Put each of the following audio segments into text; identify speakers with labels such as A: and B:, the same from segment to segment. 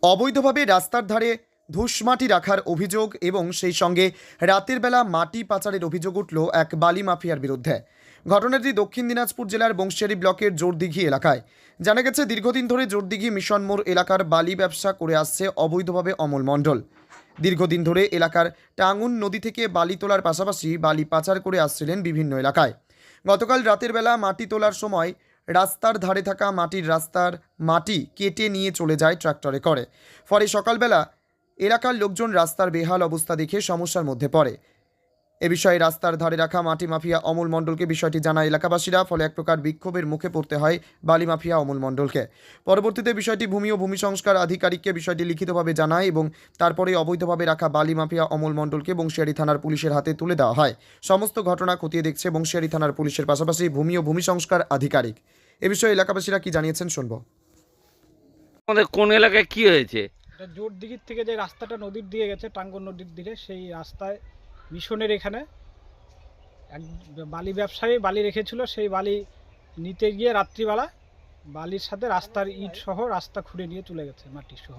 A: অবৈধভাবে রাস্তার ধারে ধূসমাটি রাখার অভিযোগ এবং সেই সঙ্গে রাতের বেলা মাটি পাচারের অভিযোগ উঠল এক বালি মাফিয়ার বিরুদ্ধে। ঘটনাটি দক্ষিণ দিনাজপুর জেলার বংশিয়ারি ব্লকের জোরদিঘি এলাকায়। জানা গেছে, দীর্ঘদিন ধরে জোরদিঘি মিশন মোড় এলাকার বালি ব্যবসা করে আসছে অবৈধভাবে অমল মণ্ডল। দীর্ঘদিন ধরে এলাকার টাঙ্গুন নদী থেকে বালি তোলার পাশাপাশি বালি পাচার করে আসছিলেন বিভিন্ন এলাকায়। গতকাল রাতের বেলা মাটি তোলার সময় রাস্তার ধারে থাকা রাস্তার মাটি কেটে নিয়ে চলে যায় ট্রাক্টরে করে। ফলে সকালবেলা এলাকার লোকজন রাস্তার বেহাল অবস্থা দেখে সমস্যার মধ্যে পড়ে। এ বিষয়ে রাস্তার ধারে রাখা মাটি মাফিয়া অমল মণ্ডলকে বিষয়টি জানায় এলাকাবাসীরা। ফলে এক প্রকার বিক্ষোভের মুখে পড়তে হয় বালি মাফিয়া অমল মণ্ডলকে। পরবর্তীতে বিষয়টি ভূমি ও ভূমি সংস্কার আধিকারিককে বিষয়টি লিখিতভাবে জানায় এবং তারপরে অবৈধভাবে রাখা বালি মাফিয়া অমল মণ্ডলকে বংশিয়ারি থানার পুলিশের হাতে তুলে দেওয়া হয়। সমস্ত ঘটনা খতিয়ে দেখছে বংশিয়ারি থানার পুলিশের পাশাপাশি ভূমি ও ভূমি সংস্কার আধিকারিক। এ বিষয়ে এলাকাবাসীরা কি জানিয়েছেন শুনবো।
B: আমাদের কোন এলাকায় কি হয়েছে?
C: এটা জোরদিঘির থেকে যে রাস্তাটা নদীর দিকে গেছে, টাঙ্গন নদীর দিকে, সেই রাস্তায় মিশনের এখানে এক বালি ব্যবসায়ী বালি রেখেছিল। সেই বালি নিতে গিয়ে রাত্রিবেলা বালির সাথে রাস্তার ইট সহ রাস্তা খুঁড়ে নিয়ে চলে গেছে, মাটি সহ।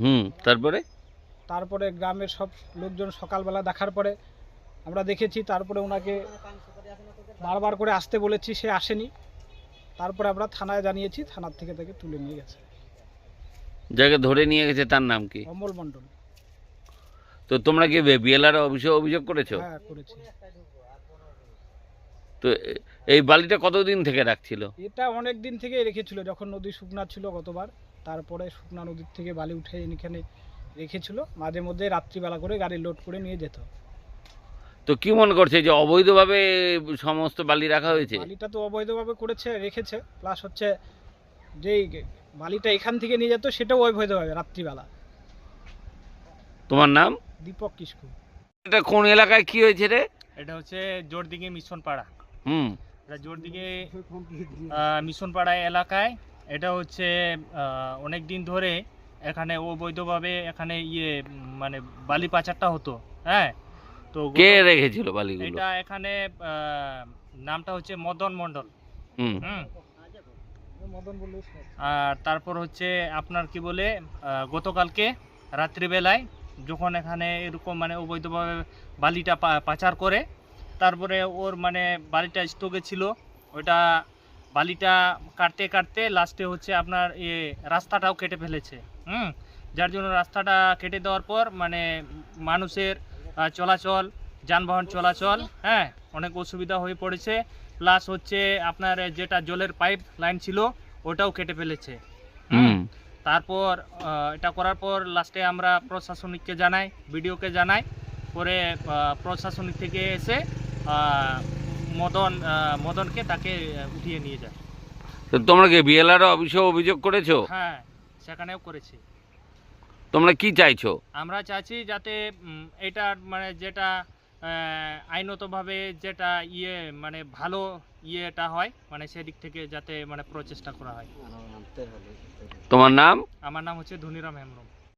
C: তারপরে গ্রামের সব লোকজন সকালবেলা দেখার পরে আমরা দেখেছি। তারপরে ওনাকে বারবার করে আসতে বলেছি, সে আসেনি। তারপরে আমরা থানায় জানিয়েছি, থানার থেকে তাকে তুলে নিয়ে গেছে।
B: যাকে ধরে নিয়ে গেছে তার নাম কি?
C: অমল মণ্ডল।
B: তো তোমরা কি বিএলআর অফিসে অভিযোগ করেছো?
C: হ্যাঁ, করেছি।
B: তো এই বালিটা কতদিন থেকে রাখছিল?
C: এটা অনেক দিন থেকে রেখেছিল, যখন নদী শুকনা ছিল গতবার। তারপরে শুকনা নদীর থেকে বালি উঠে এখানে রেখেছিল। মাঝে মধ্যে রাত্রিবেলা করে গাড়ি লোড করে নিয়ে যেত।
B: তো কি মনে করছে যে অবৈধভাবে সমস্ত বালি রাখা হয়েছে?
C: বালিটা তো অবৈধভাবে রেখেছে, প্লাস হচ্ছে যেই বালিটা এখান থেকে নিয়ে যেত সেটাও অবৈধভাবে রাত্রিবেলা।
B: তোমার নাম?
C: দীপক কিসকু।
B: এটা কোন এলাকায় কি হয়েছে রে?
D: এটা হচ্ছে জোরদিঘি মিশন পাড়া। এটা জোরদিঘি মিশন পাড়া এলাকায়। এটা হচ্ছে অনেক দিন ধরে এখানে অবৈধভাবে এখানে মানে বালি পাচারটা হতো। হ্যাঁ, তো
B: কে রেখেছিল বালিগুলো?
D: এটা এখানে নামটা হচ্ছে মদন মণ্ডল। আর তারপর হচ্ছে আপনার কি বলে, গতকালকে রাত্রিবেলায় যখন এখানে এরকম মানে অবৈধভাবে বালিটা পাচার করে, তারপরে ওর মানে বালিটা স্টকে ছিল, ওইটা বালিটা কাটতে কাটতে লাস্টে হচ্ছে আপনার রাস্তাটাও কেটে ফেলেছে। যার জন্য রাস্তাটা কেটে দেওয়ার পর মানে মানুষের চলাচল, যানবাহন চলাচল হ্যাঁ অনেক অসুবিধা হয়ে পড়েছে। প্লাস হচ্ছে আপনার যেটা জলের পাইপ লাইন ছিল ওটাও কেটে ফেলেছে। তারপর এটা করার পর লাস্টে আমরা প্রশাসনিককে জানাই, বিডিওকে জানাই। পরে প্রশাসনিক থেকে এসে মদনকে তাকে উঠিয়ে নিয়ে যায়।
B: তো তোমরা কি বিএলআর অফিসে অভিযোগ করেছো?
D: হ্যাঁ, সেখানেও করেছি।
B: তোমরা কি চাইছো?
D: আমরা চাইছি যাতে এটা মানে যেটা আইনতভাবে যেটা মানে ভালো ইয়েটা হয়, মানে সেদিক থেকে যাতে মানে প্রচেষ্টা করা হয়।
B: তোমার নাম?
D: আমার নাম হচ্ছে ধুনিরাম হেমব্রম।